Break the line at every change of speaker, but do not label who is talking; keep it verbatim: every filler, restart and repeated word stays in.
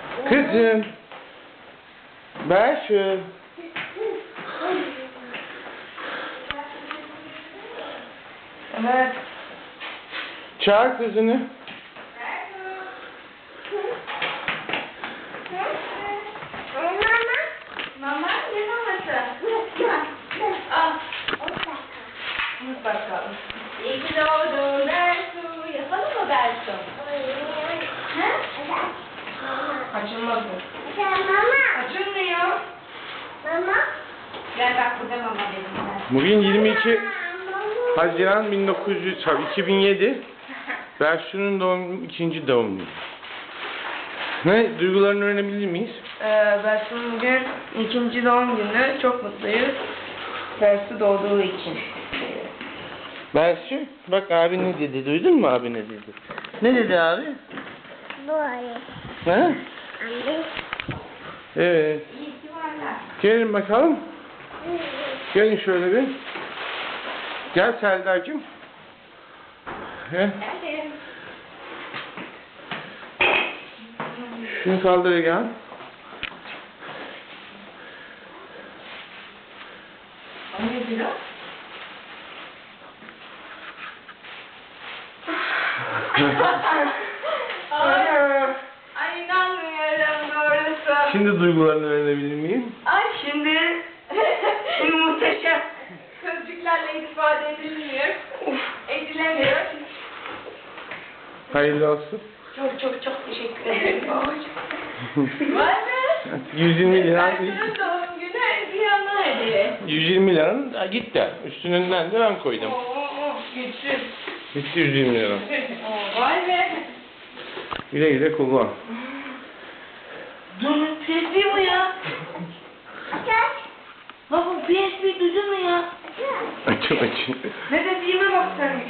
Kızım. Ver şu.
Evet.
Çağır kızını.
Mama ne maması? Al. Unut bakalım. İyi ki doğdun Bersu. Yapalım mı Bersu? He? Açılmaz mı? Açılmıyor. Gel bak burada mama dedim ben.
Bugün yirmi iki Haziran bin dokuz yüz iki bin yedi. Bersu'nun doğum ikinci doğum günü. Ne? Duygularını öğrenebilir miyiz?
Ee, Bersu'nun bugün ikinci doğum günü. Çok mutluyuz. Bersu doğduğu için.
Bersu, bak abi ne dedi? Duydun mu abi ne dedi? Ne dedi abi?
Böyle.
Ha?
Anne.
Evet.
İyi ki varlar.
Gelin bakalım. Gelin şöyle bir. Gel Seldar'cığım. Gel.
Geldim.
Şunu kaldır gel.
O nedir o? Ay, ay inanmıyorum doğrusu.
Şimdi duygularını öğrenebilir miyim?
Ay şimdi şimdi muhteşem sözcüklerle ifade edilmiyor. Edilemiyor.
Hayırlı olsun.
Çok çok çok teşekkür ederim babacığım. Var mı?
yüz yirmi lira.
Bersu'nun doğum günü hediye ona hediye.
yüz yirmi liranın ha, gitti. Üstünden de ben koydum.
Oo, güçsüz.
Gitti yüz yirmi lira.
Oo, vay be.
Güle güle kullan.
Dur, P S P bu ya. Baba P S P duydun mu ya?
Açın açın.
Ne dediğime bak sen.